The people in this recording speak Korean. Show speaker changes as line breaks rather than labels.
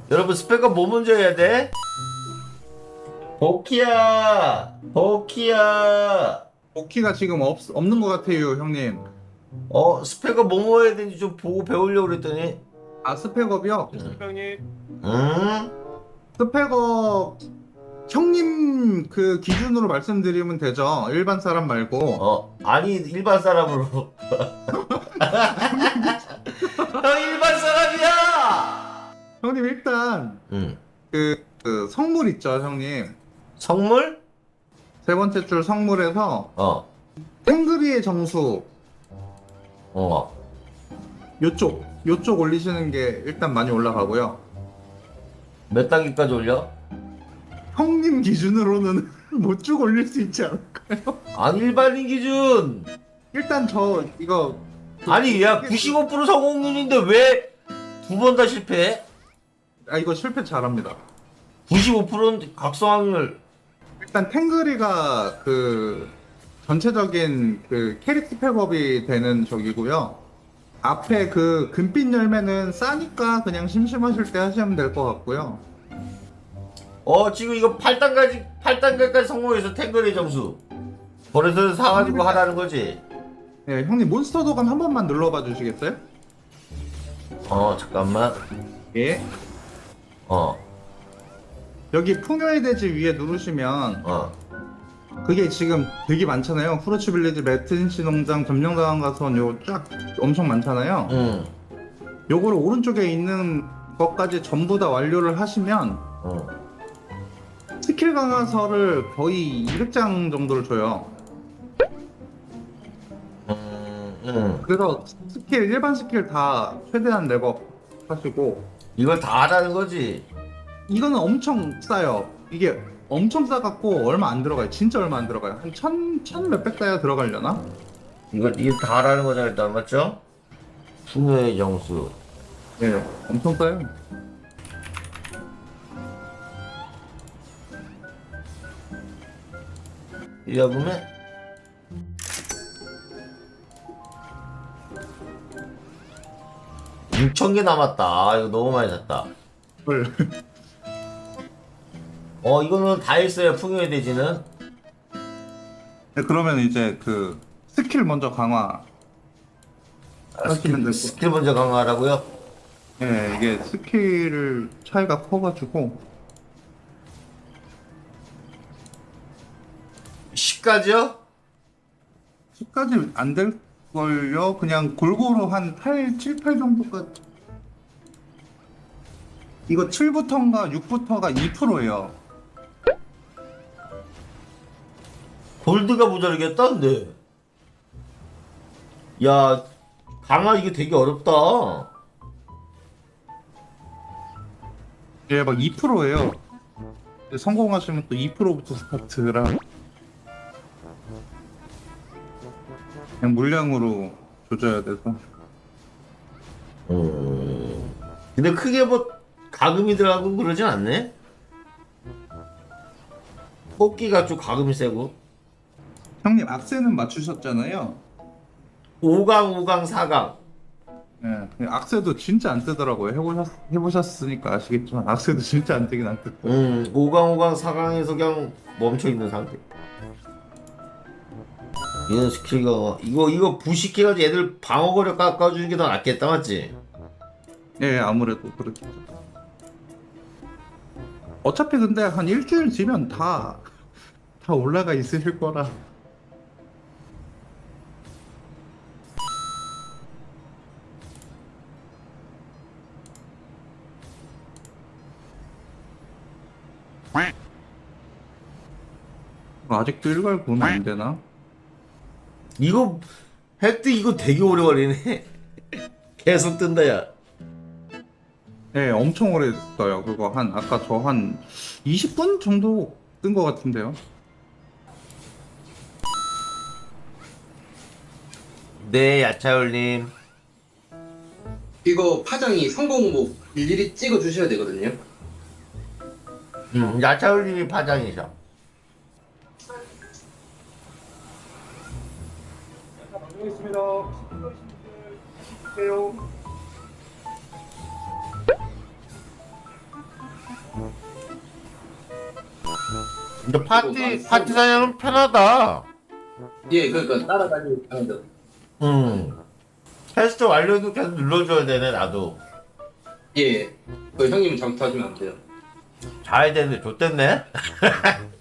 여러분 스펙은 뭐 먼저 해야 돼? 버키야
복귀가 지금 없는 것 같아요, 형님.
스펙은 뭐 먹어야 되는지 좀 보고 배우려고 그랬더니
아, 스펙업이요?
응?
스펙업, 형님 그 기준으로 말씀드리면 되죠. 일반 사람 말고.
아니 일반 사람으로 형 일반 사람이야!
형님, 일단,
응.
그 성물 있죠, 형님.
성물?
세 번째 줄 성물에서
어.
탱그리의 정수,
어.
요쪽 올리시는 게 일단 많이 올라가고요.
몇 단계까지 올려?
형님 기준으로는 못 쭉 올릴 수 있지 않을까요?
아니 일반인 기준.
일단 이거
아니 야 95% 성공률인데 왜 두 번 다 실패해?
이거 실패 잘합니다.
95%는 각성 확률.
일단 탱그리가 그 전체적인 그 캐릭 스펙업이 되는 적이고요. 앞에 그 금빛 열매는 싸니까 그냥 심심하실 때 하시면 될 것 같고요.
지금 이거 8단계까지 성공해서 탱거리 점수. 버릇을 사가지고 하라는 거지.
네, 형님 몬스터 도감 한 번만 눌러봐 주시겠어요?
잠깐만.
예.
어,
여기 풍요의 대지 위에 누르시면
어.
그게 지금 되게 많잖아요. 후르츠 빌리지, 매트린치 농장, 점령당한 가선 요 쫙 엄청 많잖아요.
응,
요거를 오른쪽에 있는 것까지 전부 다 완료를 하시면
응.
스킬 강화서를 거의 200장 정도를 줘요.
응.
그래서 일반 스킬 다 최대한 랩업 하시고,
이걸 다 하라는 거지.
이거는 엄청 싸요. 이게 엄청 싸갖고 얼마 안 들어가요. 진짜 얼마 안 들어가요. 한 천 몇백 다야 들어가려나?
이거 다 하라는 거잖아, 일단, 맞죠? 풍요의 정수.
네, 엄청 싸요.
이거 보면 6,000개 남았다. 이거 너무 많이 샀다.
헐.
이거는 다 했어요, 풍요의 대지는.
네, 그러면 이제 그 스킬 먼저 강화 하시면 되고.
스킬 먼저 강화하라고요?
네, 이게 스킬 차이가 커가지고
10까지요?
10까지 안 될걸요? 그냥 골고루 한 8, 7, 8 정도까지. 이거 7부터인가 6부터가 2%예요.
골드가 모자르겠다는데. 야, 강화 이게 되게 어렵다.
예, 막 2%예요. 성공하시면 또 2%부터 스타트라. 그냥 물량으로 조져야 돼서.
근데 크게 뭐 가금이 들어가고 그러진 않네? 뽑기가 좀 가금이 세고.
형님 악세는 맞추셨잖아요.
5강, 5강, 4강.
예, 악세도 진짜 안 뜨더라고요. 해보셨으니까 아시겠지만 악세도 진짜 안 뜨긴 안 뜨.
5강, 5강, 4강에서 그냥 멈춰있는 상태. 얘는 스킬 강화. 이거 부식해가지고 애들 방어거력 깎아주는 게 더 낫겠다, 맞지?
예, 아무래도 그렇겠죠. 어차피 근데 한 일주일 뒤면 다 올라가 있으실 거라. 아직도 일괄 구면 안 되나?
이거 획득 이거 되게 오래 걸리네. 계속 뜬다, 야.
네, 엄청 오래 떠요. 그거 아까 저 한 20분 정도 뜬 것 같은데요.
네, 야차올님.
이거 파장이 성공목 일일이 찍어 주셔야 되거든요.
야차올님이 파장이셔.
방송했습니다. 주세요.
근데 파티 사냥은 편하다.
예, 그러니까 따라다니는 하는데.
테스트 완료도 계속 눌러줘야 되네 나도.
예, 그 형님 잘못하시면 안 돼요.
자야 되는데 좆됐네.